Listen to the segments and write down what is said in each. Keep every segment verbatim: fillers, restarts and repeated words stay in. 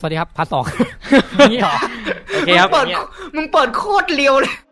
สวัสดีครับพาร์ทสองนี่เหรอโอเคครับมึงเปิดมึงเปิดโคตรเร็วเลย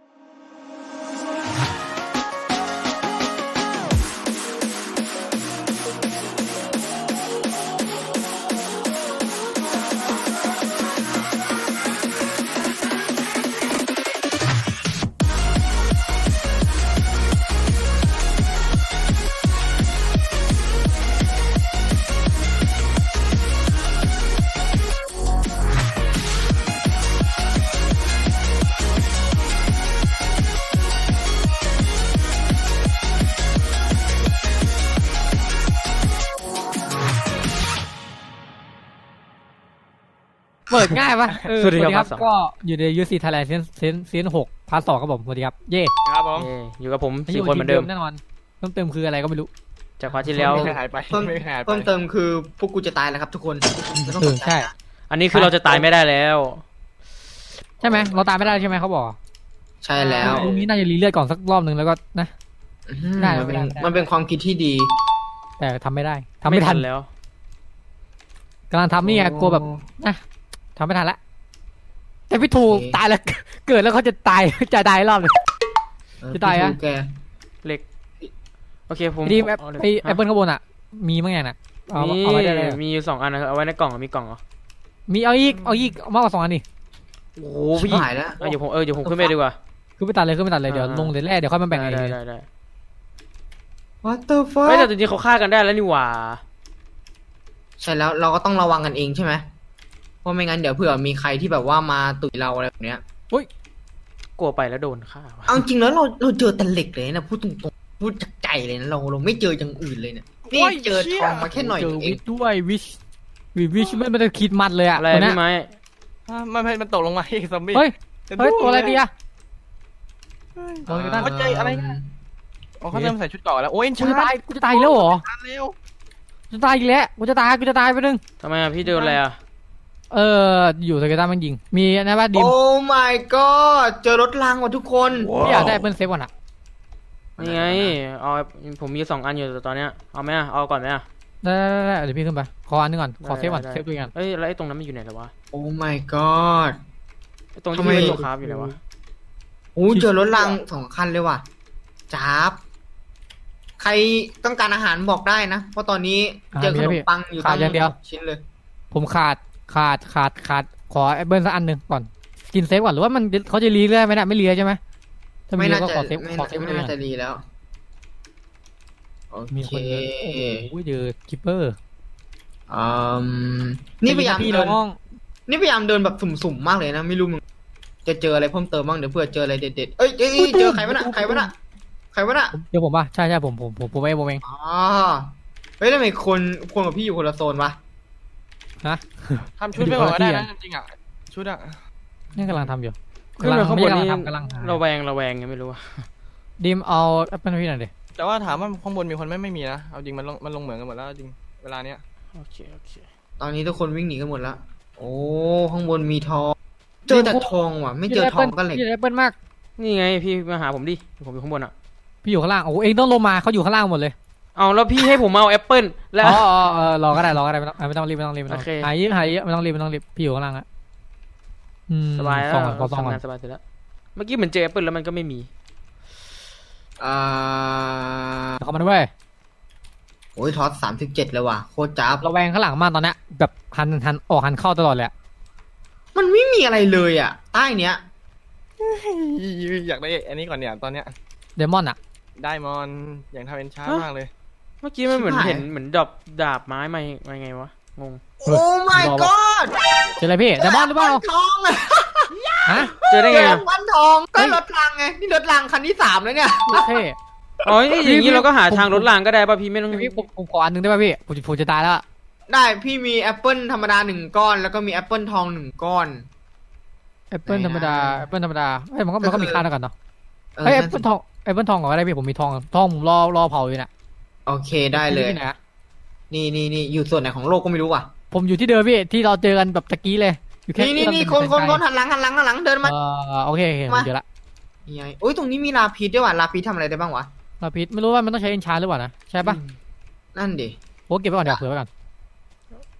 เปิดง่ายปะเออสวัสดีครับก็อยู่ในยูซีไทยแลนด์เซนเซนเซนหกพาร์ทสองครับผมสวัสดีครับเย่ครับผมเอ้ยอยู่กับผมสี่คนเหมือนเดิมแน่นอนเพิ่มเติมคืออะไรก็ไม่รู้จากคราวที่แล้วไม่หายไปเพิ่มไม่หายไปเพิ่มเติมคือพวกกูจะตายแล้วครับทุกคนไม่ต้องเอสอนใจใช่นะอันนี้คือเราจะตายไม่ได้แล้วใช่ไหมเราตายไม่ได้ใช่ไหมเขาบอกใช่แล้วตรงนี้น่าจะรีเลือดก่อนสักรอบหนึ่งแล้วก็นะอื้อหือได้มันเป็นได้ได้มันเป็นความคิดที่ดีแต่ทำไม่ได้ทำไม่ทันแล้วกำลังทำนี่ไงกลัวแบบนะทำไม่ทันละแต่พี่ทูโอเคตายแล้ว เกิดแล้วเขาจะตายจะตายรอบเลยเออจะตายอะพี่ทูแกเหล็กโอเคผมดีแอปเาเหล็กไอแอปเปิลข้างบนอ่ะ มีมั้งไงน่ะเอามีเอาไว้ได้เลยมีอยู่สองอันนะครับเอาไว้ในกล่องอะมีกล่องเหรอมีเอาอีกเอาอีกเอามากกว่าสองอันนี่โอ้โหพี่หายแล้วเอาเดี๋ยวผมเออเดี๋ยวผมขึ้นไปดีกว่าคือไปตัดเลยคือไปตัดเลยเดี๋ยวอ่าลงเลยแรกเดี๋ยวค่อยมาแบ่งได้เองได้ได้ได้ What the fuck เฮ้ยแต่จริงๆเขาฆ่ากันได้แล้วนี่หว่าใช่แล้วเราก็ต้องระวังกันเองใช่ไหมเพราะไม่งั้นเดี๋ยวเผื่อมีใครที่แบบว่ามาตุ๋ยเราอะไรแบบเนี้ยกลัวไปแล้วโดนฆ่าว่ะเอาจริงแล้วเราเราเจอแต่เหล็กเลยนะพูดตรงๆพูดจากใจเลยนะเราเราไม่เจออย่างอื่นเลยเนี่ยนี่เจอทองมาแค่หน่อยเจอเอวิงชด้วยวิชวิวิชไม่ไม่ได้คิดมัดเลยอะอะไรตัวเนี้พี่ยไม้อ่ะมันมันมันตกลงมาอีกซอมบี้เฮ้ยจะเฮ้ยดูตัวอะไรดีอะเฮ้ยตัวอะไรกันเขาใจอะไรนะอ๋อเขาเริ่มใส่ชุดเกราะแล้วโอ้ยกูชาจะตายกูจะตายอีกแล้วเหรอตายเร็วกูจะตายอีกแล้วกูจะตายกูจะตายไปนึงทำไมอะพี่โดนอะไรอะเอออยู่สเกต้ามันยิงมีนะว่าดิมโอ้ my god เจอรถรางว่ะทุกคนพี่อยากได้เปิ้ลเซฟก่อนอะนี่ไงเอาผมมีสองอันอยู่แต่ตอนเนี้ยเอาไหมอะเอาก่อนไหมอะได้ได้ได้เดี๋ยวพี่ขึ้นไปขออันนึงก่อนขอเซฟก่อนได้เซฟตัวเองก่อนเอ้ยแล้วไอ้ตรงนั้นมันอยู่ไหนแล้ววะโอ้ my god ไอ้ตรงที่ทำไมเป็นตัวคราฟอยู่ไหนวะโอ้เจอรถรางสองคันเลยว่ะจ้าบใครต้องการอาหารบอกได้นะ เพราะตอนนี้เจอขนมปังอยู่ตั้งชิ้นเลยผมขาดขาดขาดขาดขอแอปเปิลสักอันหนึ่งก่อนกินเซฟก่อนหรือว่ามันเขาจะรีเรื่อยไหมเนี่ยไม่รีใช่ไหมถ้ามีไม่น่าก็จะขอเซฟไม่ขอเซฟไม่ตัวเองน่าก่อนจะดีแล้วโอมีเคคนเดินโอ้โหเจอคิปเปอร์อืมนี่พยายามพี่เดินน้องนี่พยายามเดินแบบสุ่มๆมากเลยนะไม่รู้มึงจะเจออะไรเพิ่มเติมบ้างเดี๋ยวเผื่อเจออะไรเด็ดๆเอ้ยเอ้ยเอ้ยเจอใครวะน่ะใครวะน่ะใครวะน่ะเดี๋ยวผมป่ะใช่ใช่ผมผมผมผมเองผมเองอ๋อเฮ้ยทำไมคนคนกับพี่อยู่คนละโซนวะฮะทำชุดไปก่อนก็ได้นะจริงๆอ่ะชุดอ่ะนี่กำลังทำอยู่ขึ้นไปข้างบนไม่นี่ใช่กำลังทำกำลังหาระแวงระแวงยังไม่รู้อะดิมเอาแอปเปิลให้พี่หน่อยดิแต่ว่าถามว่าข้างบนมีคนไหม่ไม่มีนะเอาจริงมันลงมันลงเหมือนกันหมดแล้วจริงเวลาเนี้ยโอเคโอเคตอนนี้ทุกคนวิ่งหนีกันหมดแล้วโอ้ข้างบนมีทอง เจอแต่ทองว่ะ ไม่เจอทองก็เหล็กพี่ได้แอปเปิลมากนี่ไงพี่มาหาผมดิผมอยู่ข้างบนอะพี่อยู่ข้างล่างโอ้โหเองต้องลงมาเขาอยู่ข้างล่างหมดเลยเอาแล้วพี่ให้ผมเอาแอปเปิลแล้วอ๋ออ๋อเออรอก็ได้รอก็ได้ไม่ต้องไม่ต้องรีบไม่ต้องรีบไม่ต้องโอเคหายเยอะหายเยอะไม่ต้องรีบไม่ต้องรีบพี่อยู่ข้างล่างอะอืมสบายแล้วสองก่อนขอสองก่อนทำงานสบายเสร็จแล้วเมื่อกี้เหมือนเจอแอปเปิลแล้วมันก็ไม่มีอ่าเดี๋ยวเขามาด้วยโอ้ยทอสสามสิบเจ็ดเลยว่ะโคตรจ้าบระแวงข้างหลังมากตอนเนี้ยแบบหันหันออกหันเข้าตลอดเลยอะมันไม่มีอะไรเลยอ่ะ ใต้เนี้ยอยากได้อันนี้ก่อนเนี่ยตอนเนี้ยเดมอนอะได้มอนอย่างทำเป็นช้ามากเลยเมื่อกี้มันเหมือนเห็นเหมือนดอกดาบไม้มามาไงวะงงโอ้ my god เจออะไรพี่เดมอนหรือเปล่าทองอะฮะเจอได้เจไงออะวันทองก็รถรางไงนี่รถรางคันที่สามแล้วเนี่ยโอเคอ๋ออย่างนี้เราก็หาทางผมรถรางก็ได้ป่ะพี่ไม่ต้องพี่ผมผมขออันหนึงได้ป่ะพี่ผมจะผมจะตายแล้วอะได้พี่มีแอปเปิลธรรมดาหนึ่งก้อน แล้วก็มีแอปเปิลทองหนึ่งก้อนแอปเปิลไหนนะธรรมดาแอปเปิลธรรมดาเฮ้ยมันก็มันก็มีค่าเท่ากันเนาะเออเฮ้ยแอปนั่นเปิลสิทองแอปเปิลทองก่อนก็ได้พี่ผมมีทองทองผมรอรอเผาอยู่น่ะโอเคได้เลยที่ไหนอะนี่นี่นี่อยู่ส่วนไหนของโลกก็ไม่รู้ว่ะผมอยู่ที่เดิมพี่ที่เราเจอกันแบบตะกี้เลยอยู่แค่นี่นี่นี่ที่คเรานเป็คนคนไกลหันหลังหันหลังหันหลังเดินๆมาเออโอเคโอเคผมมาเจอละนี่ไงโอ้ยตรงนี้มีลาพีชด้วยว่ะลาพีชทำอะไรได้บ้างวะลาพิษไม่รู้ว่ามันต้องใช้เอนชาร์หรือเปล่านะใช่ปะนั่นดิโอ้เก็บไว้ก่อนเดี๋ยวเผื่อไว้ก่อนโ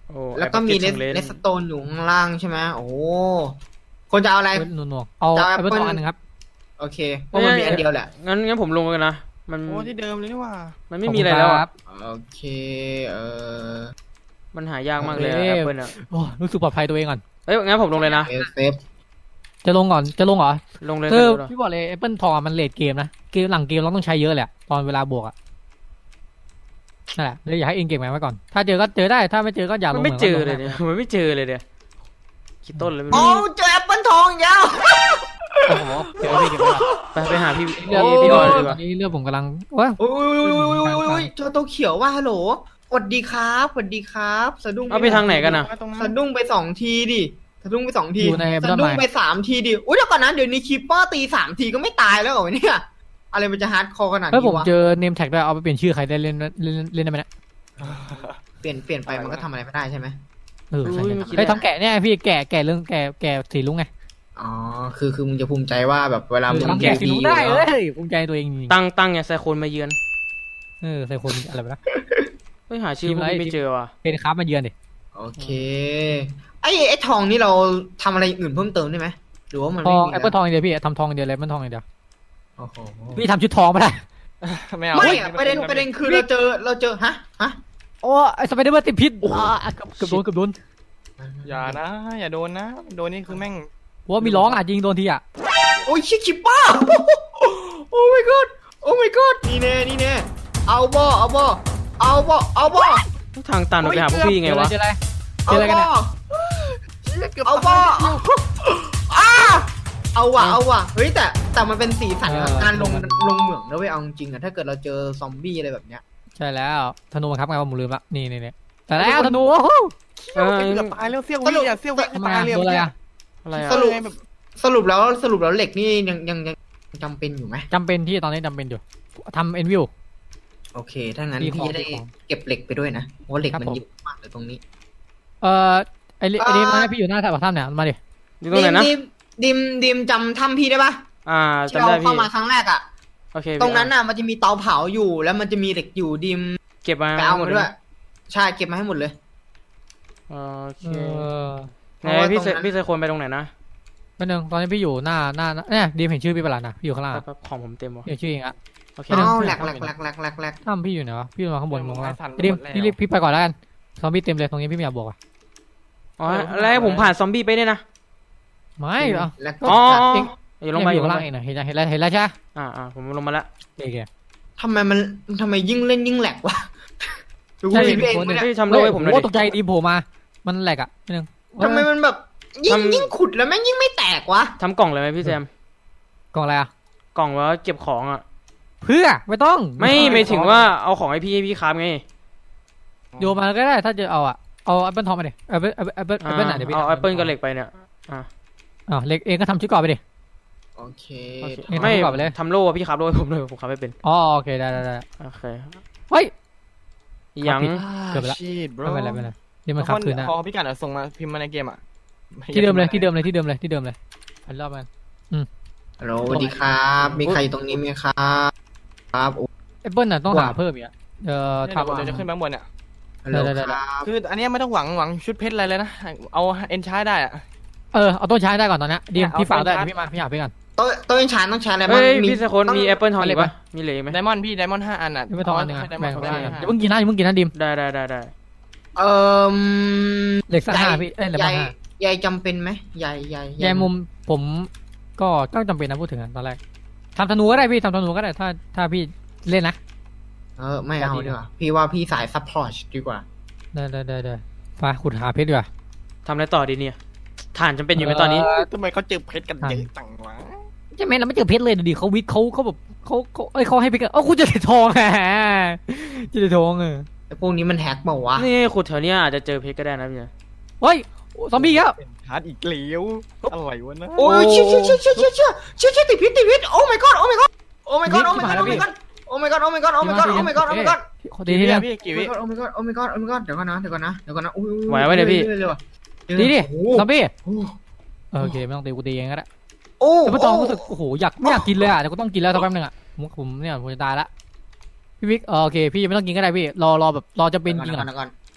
โอ้แล้วก็มีเลเลสนเลนเลสโตนอยู่ข้างล่างใช่ไหมโอ้คนจะเอาอะไรหน่วงๆเอาจะเอาไอ้เบิร์น Apple ทองอันหนึ่งครับโอเคเพราะมันมีอันเดียวแหละงั้นงั้นผมลงกันนะมันโอ้ที่เดิมเลยนี่หว่ามันไม่มีอะไรแล้วคอะรับโอเคเออมันหายากมากเลยโอเคแอปเปิลอะโอ้รู้สึกปลอดภัยตัวเองก่อนเอ้ยงั้นผมลงเลยนะเซฟเซฟจะลงก่อนจะลงเหรอลงเลยคือลงเลยพี่บอกเลยแอปเปิลทองอะมันเลทเกมนะเกมหลังเกมเราต้องใช้เยอะแหละตอนเวลาบวกอะนั่นแหละเลยอยากให้เองเก่งไว้ก่อน ถ้าเจอก็เจอได้ถ้าไม่เจอก็อย่าลมันงไม่เจอหมืนเลยเนี่ยมันไม่เจอเลยเนี่ยคิดต้นเลยไม่โอ้มีเจอแอปเปิลทองอีกแล้วโอ้โหเจอพี่เก็บไว้ก่อนไปไปหาพี่เลือดพี่พี่พี่ก่ก่ออน นดีดีกกว่าว่านี้เลือดผมกำลังว้าโอ้ยโอ้ยโอ้ยโอ้ยโอ้ยเจอตัวเขียวว่าฮัลโหลสวัสดีครับสวัสดีครับสะดุ้งเอาไปทางไหนกันนะตรงนั้นสะดุ้งไปสองทีดิสะดุ้งไปสองทีอยู่ในสะดุ้งไปสามทีดิอุ้ยเดี๋ยวก่อนนะเดี๋ยวนี้คีปเปอร์ตีสามทีก็ไม่ตายแล้วเหรอเนี่ยอะไรมันจะฮาร์ดคอร์ขนาดเฮ้ยนี้ผมวะเจอเนมแท็กด้วยเอาไปเปลี่ยนชื่อใครได้เล่นเล่นเล่นได้ไหมเนี่ยเปลี่ยนเปลี่ยนไปมันก็ทำอะไรไม่ได้ใช่ไหมเออใช่อุ้ยใช่ไม่คิดเฮ้ยทำแกะเนี่ยพี่แกะแกะเรื่องแกะแกะสีลุงไงอ๋อคือคือมึงจะภูมิใจว่าแบบเวลามึงทำแกะสีลุงได้เอ้ยภูมิใจตัวเองจริงตั้งตั้งไงไซโคนมาเยือนๆเออใส่คนอะไรไปนะเฮ้ยหาชื่อทีมพวกอะไรนี้ไม่เจอว่ะเป็นครับมาเยือนดิโอเคไอ้ไอ้ทองนี่เราทำอะไรอื่นเพิ่มเติมได้ไหมหรือว่ามันทไม่องมีแอปเปิลทองอย่างเดียวพี่ทำทองอย่างเดียวเลยแอปเปิลทองอย่างเดียวโอ้โหพี่ทำชุดทองไม่ได้ไม่เอาไม่อะประเด็นประเด็นคือเราเจอเราเจอฮะฮะโอ้ไอ้สไปเดอร์แมนติดพิษอ่าเกือบเกือบโดนเกือบโดนอย่านะ อย่าโดนนะ โดนนี่คือแม่งว่ามีร้องอ่ะยิงโดนทีอ่ะโอ้ยชิคิปป้าโอ้ my god โอ้ my god นี่แน่นี่แน่เอาบ่เอาบ่เอาบ่เอาบ่ทางตันเราไปหาพวกพี่ยังไงวะเจออะไรเจเอาออะไรกันบ่เนี่ยเอาบ่อ้าเอาว่ะเอาว่ะเฮ้ยแต่แต่มันเป็นสีสันของการลงลงเหมืองนะเว้ยเอาจริงๆอะถ้าเกิดเราเจอซอมบี้อะไรแบบเนี้ยใช่แล้วธนูบังคับไงว่าผมลืมละนี่นี่นี่แต่แล้วธนูโอ้โหเออเกือบตายแล้วเสี้ยววิอ่ะเสี้ยววิทำไมตายอะเลยโดนอะไรอ่ะอะไรสอ่ะรุปแบบสรุปแล้วสรุปแล้วเหล็กนี่ยังยังยังจำเป็นอยู่ไหมจำเป็นที่ตอนนี้จำเป็นอยู่ทำเอ็นวิวโอเค ถ้างั้นมีของพี่จะได้มีของเก็บเหล็กไปด้วยนะ เพราะว่าเหล็กครับมันผมเยอะมากเลยตรงนี้เอ่อไอ้นี่ไอ้นี่มาให้พี่อยู่หน้าถ้ำเนี่ยมาดิอยู่ตรงไหนนะดิมดิมดิมจำถ้ำพี่ได้ปะอ่าที่จำเราได้เข้าพี่มาครั้งแรกอะโอเคตรงนั้นน่ะมันจะมีเตาเผาอยู่ แล้วมันจะมีเหล็กอยู่ดิมเก็บมาไปเอาหมมาดด้เลวย ย ใช่เก็บมาให้หมดเลยโอเคเออไหนพี่เซพี่ไซโคนไปตรงไหนนะเป็นหนึ่งตอนนี้พี่อยู่หน้าหน้าเนี่ยดีมเห็นชื่อพี่ประหลาดนะพี่อยู่ข้างล่างแป๊บๆของผมเต็มวะเห็นชื่อเองอะโอเคไม่ได้อ้าวแหลกแหลกแหลกแหลกแหลกแหลกถ้ำพี่อยู่ไหนวะพี่ลงมาข้างบนลงมาข้างล่างดีมพี่รีบพี่ไปก่อนแล้วกันซอมบี้เต็มเลยตรงนี้พี่ไม่อยากบวกอ่ะอ๋อแล้วให้ผมผ่านซอมบี้ไปเนี่ยนะไม่เหรอแหลกอ๋อเองอย่าลงมาออยู่ยู่ลข้างงล่างมาเองนะเห็นแล้วเห็นแล้วเห็นแล้วใช่ไหมอ่าอ่าผมลงมาแล้วโอเคทำไมมันทำไมยิ่งเล่นยิ่งแหลกวะดูใช่เห็นเองคนหนึ่งเนี่ยพี่ทำโลให้ผมหน่อยโอ้ดิตกใจดีมโผล่มา มันแหลกอ่ะนิดนึงทำไมมันแบบยิ่งทำยิ่งขุดแล้วแม่งยิ่งไม่แตกวะทำกล่องเลยไหมพี่แซมกล่องอะไรอ่ะกล่องไว้เก็บของอ่ะเพื่อไม่ต้องไม่ไม่ถึงว่าเอาของให้พี่ให้พี่ครับไงโยนมาก็ได้ถ้าจะเอาอ่ะเอาแอปเปิลทองมาดิแอปเปิลแอปเปิลแอปเปิลแอปเปิลไหนเดี๋ยวพี่เอาแอปเปิลกับเหล็กไปเนี่ยอ่าเหล็กเองก็ทำชุดเกราะไปดิโอเคโอเคเนี่ยไม่ทำก่อนไปเลยทำโล่อะพี่ครับโล่ให้ผมเลยผมครับไม่เป็นอ๋อโอเคได้ได้ได้โอเคเฮ้ยยังผิด เกือบไปละชีด bro ไม่เป็นไรไม่เป็นไรเดี๋ยวมันขับคืนนะพอพี่กันเอาส่งมาพิมพ์มาในเกมอ่ะที่เดิมเลยที่เดิมเลยที่เดิมเลยที่เดิมเลยอันรอบมันฮัลโหลสวัสดีครับ มีใครอยู่ตรงนี้ไหมครับครับโอ้แอปเปิลน่ะต้องว่าหาเพิ่มอีกอ่ะเอ่อเดี๋ยวทำเดี๋ยวจะขึ้นไปข้างบนเนี่ยฮัลโหลได้ได้คได้รับคืออันเนี้ยไม่ต้องหวังหวังชุดเพชรอะไรเลยนะ เอาเอ็นชาร์ได้อ่ะเออเอาต้นช้างได้ก่อนตอนเนี้ยดีมเอาพี่ฝากได้ต้นช้างเดี๋ยวพี่มาพี่หาพี่กันโต๊ะโต๊ะอินชานต้องใช้อะไรบ้างเฮ้ยมีพี่ไซโคนมีแอปเปิลทองอีกปะมีเหลืออีกไหมไดมอนด์พี่ไดมอนด์ห้าอันอ่ะพี่ไปทองอันหนึ่งอ่ะไดมอแบ่นงด์ไปห้าได้อันอย่าเพิ่งกินนะอย่าเพิ่งกินนะดิมได้ได้ได้ได้เอ่อเหล็กสักห้าพี่เอ้ยเหล็กใยสักห้าใยจำเป็นไหมใยใยแยมุมผมก็ก็จำเป็นนะพูดถึงอะตอนแรกทำธนูก็ได้พี่ทำธนูก็ได้ถ้าถ้าพี่เล่นนะเออไม่เอาดีกว่าพี่ว่าพี่สายซัพพอร์ตดีกว่าได้ได้ได้ได้มาขุดหาเพชรดีกว่าทำอะไรต่อดีเนี่ยฐานจำเป็นอยู่ไหมตอนนี้ทำไมเขาเจอเพชรกันเยอะจังวะใช่ไหมเราไม่เจอเพชรเลยดูดิเขาวิทย์เขาเขาแบบเขาเขาเอ้ยเขาให้เพชรกันเอ้าคุณจะได้ทอง แหมจะได้ทองเออไอ้พวกนี้มันแฮกเปล่าวะนี่ขุดแถวเนี้ยอาจจะเจอเพชรก็ได้นะพี่เฮ้ยซอมบี้ครับเป็นชาร์ดอีกเลี้ยวอะไรวะนะโอ้ยเชี่ยเชี่ยเชี่ยเชี่ยเชี่ยเชี่ยเชี่ยเชี่ยติดพิษติดพิษโอ้ my god โอ้ my god โอ้ my god โอ้ my god โอ้ my god โอ้ my god โอ้ my god โอ้ my god โอ้ my god โอ้ my god ดีกี่ดีวินะพี่กี่วิโอ้ my god โอ้ my god โอ้ my god เดี๋ยวก่อนนะเดี๋ยวก่อนนะเดี๋ยวก่อนนะอุ้ยไหวไหมเนี่ยพี่ดีดิโอ้ซอมบี้โอ้เออโอเคไม่ต้องตีกูตีเองก็ได้โอ้แต่พอตองรู้สึกโอ้โหอยากไม่อยากกินเลยอ่ะแต่ก็ต้องกินแล้วสักแป๊บนึงอ่ะผมผมเนี่ยผมจะตายละพี่วิกเออโอเคพี่ยังไม่ต้องกินก็ได้พี่รอรอแบบรอจะเป็นจริงก่อ่ะอนก่อน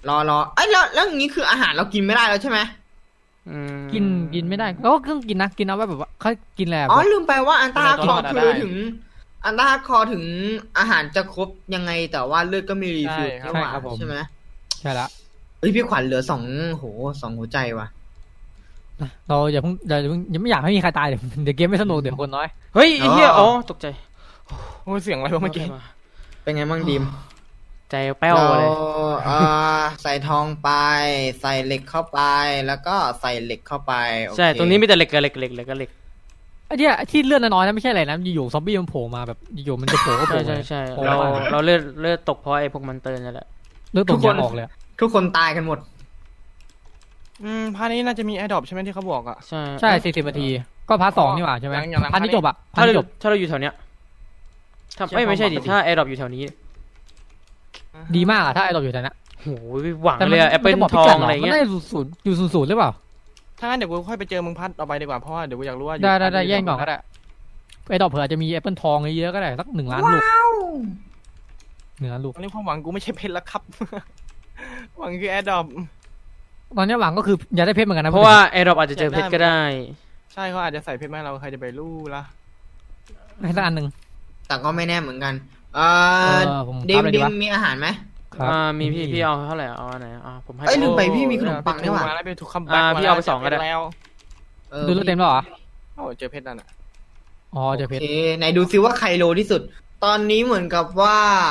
รอรอไอ้ยแล้วแล้วอย่างนี้คืออาหารเรากินไม่ได้แล้วใช่ไหมอืมกินกินไม่ได้ก็เครื่องกินนะกินเอาไว้แบบว่าเขากินอะไรอ๋อแบบลืมไปว่าอันตราคอได้คือถึง อันตราคอถึงอาหารจะครบยังไงแต่ว่าเลือดก็มีรีฟิลใช่ใช่ไหมครับผมใช่ไหมใช่ละเฮ้ยพี่ขวัญเหลือสองโหสองหัวใจว่ะเราอย่าเพิ่งอย่าเพิ่งยังไม่อยากให้มีใครตายเดี๋ยวเดี๋ยวเกมไม่สนุกเดี๋ยวคนน้อยเฮ้ยไอ้เหี้ยอ๋อตกใจโอ้ยเสียงอะไรวะเมื่อกี้เป็นไงบ้างดีมใจแป้วเราเลยเอ่อใส่ทองไป ใส่เหล็กเข้าไป แล้วก็ใส่เหล็กเข้าไปโอเคใช่ตรงนี้มีแต่เหล็กกับเหล็กเหล็กเหล็กกับเหล็กไอ้เนี่ยที่เลือดน้อยๆนะไม่ใช่อะไรนะอยู่ๆซอมบี้มันโผล่มาแบบอยู่ๆมันจะโผล่ก็โผใช่ล่ใช่ใช่โผล่เรามาเราเลือดเลือดตกเพราะไอ้พวกมันเตอร์นั่นแหละเลือดตกยางออกเลยอะทุกคนตายกันหมดอืมพาร์ทนี้น่าจะมีแอร์ดรอปใช่ไหมที่เขาบอกอ่ะใช่ใช่สี่สิบนาทีก็พาร์ทสองนี่หว่าใช่ไหมอย่างอย่างพาร์ทนี้จบอะพาถ้าร์ทเรานี้จบถ้าเราอยู่แถวเนี้ยถ้าใช่เอ้ยไม่ใช่ดิปกติถ้าแอร์ดรอปอยู่แถวนี้ดีมากอะถ้าไอ้เราอยู่แถวนั้นโหหวังแต่เลยอะแอปเปิลมันจะบอกทพิอกังดหอะไรมันเงี้ยได้ศูนย์อยู่ศูนย์ศูนย์หรือเปล่าถ้างั้นเดี๋ยวกูค่อยไปเจอมึงพัดต่อไปดีกว่าเพราะว่าเดี๋ยวกูอยากรู้ว่าอยู่ได้ได้ได้พาร์ทแย่งก่อนก็ได้ไอ้ดอกเผื่ออาจจะมีแอปเปิลทองเยอะๆก็ได้สักหนึ่งล้านลูกหนึ่งล้านลูกตอนนี้ความหวังกูไม่ใช่เพชรแล้วครับ หวังคือแอร์ดรอปตอนนี้หวังก็คืออยากได้เพชรเหมือนกันนะเพราะว่าแอร์ดรอปอาจจะเจอเพชรก็ได้ใช่เขาอาจจะใส่เพชรมาให้เราใครจะไปรู้ละให้สักอันหนึ่งแต่ก็ไม่แน่เหมือนกัน เอ่เอออผมดิครัมบเลยดิดีมวะมีอาหารไหมครับอ่ามีพี่พี่เอาเท่าไหร่เอาอันไหนอ่าผมให้เอ้ยลืมไปโพี่มีขนมปังเออด้วยว่ะมาแล้วไปถูกคัมแบ็กอ่าพี่เอาไปสองก็ได้แล้วเออดูเลือดเต็มแล้วเหรอโอ้เจอเพชรนั่นอ่ะอ๋อเจอเพชรโอเคไหนดูซิว่าใครโลที่สุด ตอนนี้เหมือนกับว่า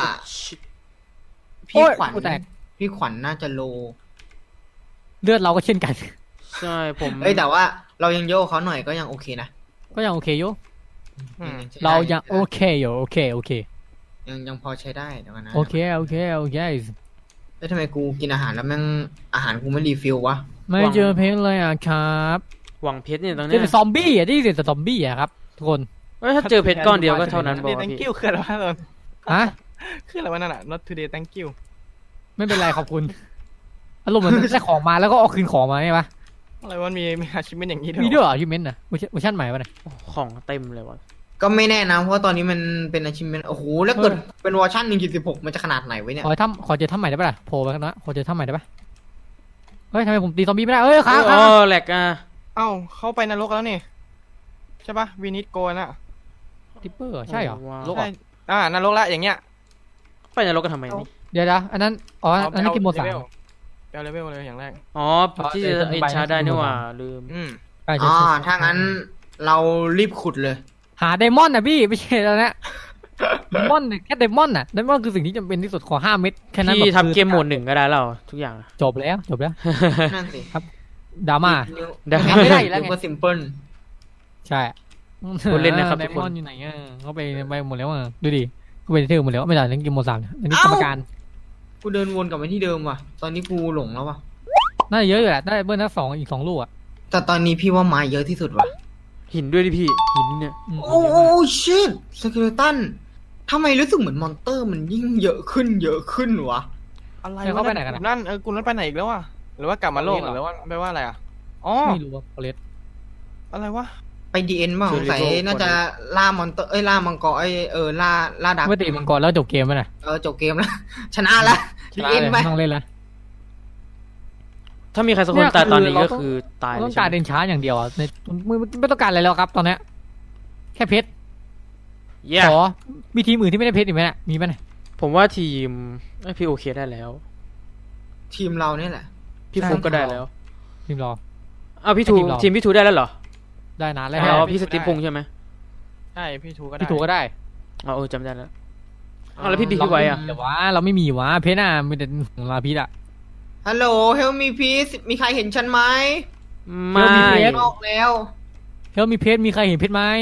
พี่ขวัญโอ้ยแตกพี่ขวัญน่าจะโลเลือดเราก็เช่นกันใช่ผมเอ้ยแต่ว่าเรายังโยกเขาหน่อยก็ยังโอเคนะก็ยังโอเคอยู่อืมใช้ได้เรายังโอเคอยู่โอเคโอเคยังยังพอใช้ได้เดี๋ยวกันนะโอเคโอเคโอเคเอ้ยทำไมกูกินอาหารแล้วแม่งอาหารกูไม่รีฟิลวะไม่เจอเพชรเลยอ่ะครับหวังเพชรเนี่ยตรงเจเนี้อย แต่ซอมบี้อ่ะที่เจอแต่ซอมบี้อ่ะครับทุกคนเอ้ยถ้าเจอเพชรก้อนเดียวก็เท่านั้นบอก Today ว่า thank พี่ you คืออะไรวะตอนฮะคืออะไรวะนั่นอ่ะ not today thank you ไม่เป็นไรขอบคุณอารมณ์เหมือนได้ของมาแล้วก็เอาคืนของมาใช่ปะอะไรวะมีมีอาชีพเป็นอย่างนี้ด้วยมีด้วยเหรอยูเมนต์อ่ะเวอร์ชันเวอร์ชันใหม่ปะเนี่ยของเต็มเลยวะก็ไม่แน่นะเพราะว่าตอนนี้มันเป็นอาชีพเป็นโอ้โหแล้วเกิดเป็นเวอร์ชันหนึ่งจุดสิบหกมันจะขนาดไหนไว้เนี่ยขอทำขอเจอถ้ำใหม่ได้ปะล่ะโผล่ไปกันนะขอเจอถ้ำใหม่ได้ปะเฮ้ยทำไมผมตีซอมบี้ไม่ได้เอ้ยค้างอ๋ค้างอแหลกอ่ะเอ้าเข้าไปนรกแล้วนี่ใช่ปะวีนิดโกน่ะทิปเปอร์ใช่เหรอโลกเหรใช่ออ่านรกแล้วอย่างเงี้ยไปนรกกันทำไมนี่เดี๋ยวนะอันนั้นอ๋ออันนั้นกินโมสามแปลเลเวลเลยอย่างแรกอ๋ออ๋อที่เดี๋ยวจะจะอินไปชาได้นี่หว่าให้คุณดูลืมอืมใช่ใช่อ๋อใช่ถ้างั้นเรารีบขุดเลยหาไดมอนด์นะพี่ไม่ใช่แล้วนะไดมอนด์เนี่ยแค่ไดมอนด์น่ะไดมอนด์คือสิ่งที่จำเป็นที่สุดขอห้าเม็ดแค่นั้นพี่แบบทำเกมโหมดหนึ่งก็ได้แล้วทุกอย่างอะจบแล้วจบแล้วนั่นสิดราม่าได้ทำไม่ได้อยู่แล้วไงก็ซิมเพิลใช่คนเล่นนะครับไดทุกมคอน นอยู่ไหนอ่ะเขาไปไปหมดแล้วอ่ะดูดิเขาไปเที่ยวหมดแล้วไม่ได้เล่นเกมโมสามเนี่ยอันนี้กรรมการกูเดินวนกลับไปที่เดิมว่ะ ตอนนี้กูหลงแล้วว่ะน่าจะเยอะอยู่แหละได้เบิ้ลทั้งสองอีกสองลูกอ่ะแต่ตอนนี้พี่ว่าไม้เยอะที่สุดว่ะหินด้วยดิพี่หินเนี่ยอืมโอ้โอ้ชิตสเกเลตันทำไมรู้สึกเหมือนมอนเตอร์มันยิ่งเยอะขึ้นเยอะขึ้นวะอะไรเดี๋ยววะเขาไปไหนกันกอะลุ่มนั่นเออกลุ่มนั้นไปไหนอีกแล้ววะหรือว่ากลับมาโลกเหรอหรือว่าแปลว่าอะไรอ่ะอ๋อไม่รู้ว่าเลสอะไรวะไปดีเอ็นบ้างสงสัยน่าจะล่ามอนเตอร์เอ้ยล่ามังกรเอ้ยเออล่าล่าดักไม่ตีมังกรแล้วจบเกมแล้วนะเออจบเกมแล้ว ชนะแล้วชดีนะเอ็นเลยไปไม่ต้องเล่นแล้วถ้ามีใครสักคนตายตอนนี้ก็คือตายเลต้ยองใช่การไหมเดินช้าอย่างเดียวอ่ะในไม่ไม่ต้องการอะไรแล้วครับตอนเนี้ยแค่เพชรเย้ขอมีทีมอื่นที่ไม่ได้เพชรอีกไหมเนี่ยมีไหมเนี่ยผมว่าทีมเอ้ยพี่โอเคได้แล้วทีมเราเนี่ยแหละพี่ฟุกก็ได้แล้วทีมรออ้าวพี่ทูทีมเราทีมพี่ทูได้แล้วเหรอได้นานแล้วแล้วพี่สติปพุงใช่ไหมใช่พี่ทูก็ได้พี่ถูกก็ได้อ๋อเออจำได้แล้วอ้าวแล้วพี่บิ๊กพี่ไว้อะแต่ว่าเราไม่มีวะเพชรน่ะมีแต่ของลาพิษอ่ะฮัลโหลเฮลมีพีซมีใครเห็นฉันไหมไม่เดี๋ยวมีเพจออกแล้วเฮ้ยมีเพชรมีใครเห็นเพชรไหม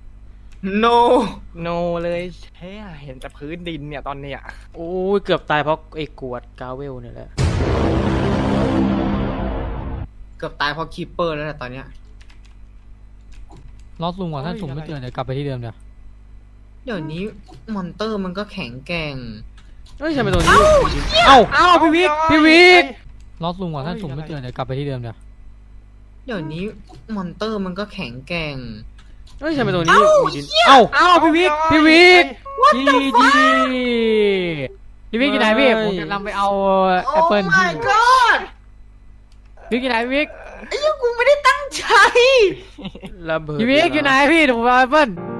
no โนเลยเฮ้ยเห็นแต่พื้นดินเนี่ยตอนเนี้ยโอ้ยเกือบตายเพราะไอ้กวดกาเวลเนี่ยแหละเกือบตายเพราะคีปเปอร์แล้วแหละตอนเนี้ยลอสลุงว่ะท่านสุ่มไม่เจอเดี๋ยวกลับไปที่เดิมเดี๋ยวเดี๋ยวนี้มอนเตอร์มันก็แข็งแกร่งเฮ้ยทำไมตรงนี้เอ้าอ้าวพี่วิกพี่วิกลอสลุงว่ะท่านสุ่มไม่เจอเดี๋ยวกลับไปที่เดิมเดี๋ยวเดี๋ยวนี้มอนเตอร์มันก็แข็งแกร่งเฮ้ยทำไมตรงนี้มีดินเอ้าอ้าวพี่วิกพี่วิกจีจีพี่วิกอยู่ไหนพี่ผมจะนำไปเอาแอปเปิลโอ้ my god พี่วิกอยู่ไหนพี่วิกไอ้เหี้ยังกูไม่ได้ตั้งใจระเบิดพี่วิกอยู่ไหนพี่เดี๋ยวผมเอาแอปเปิล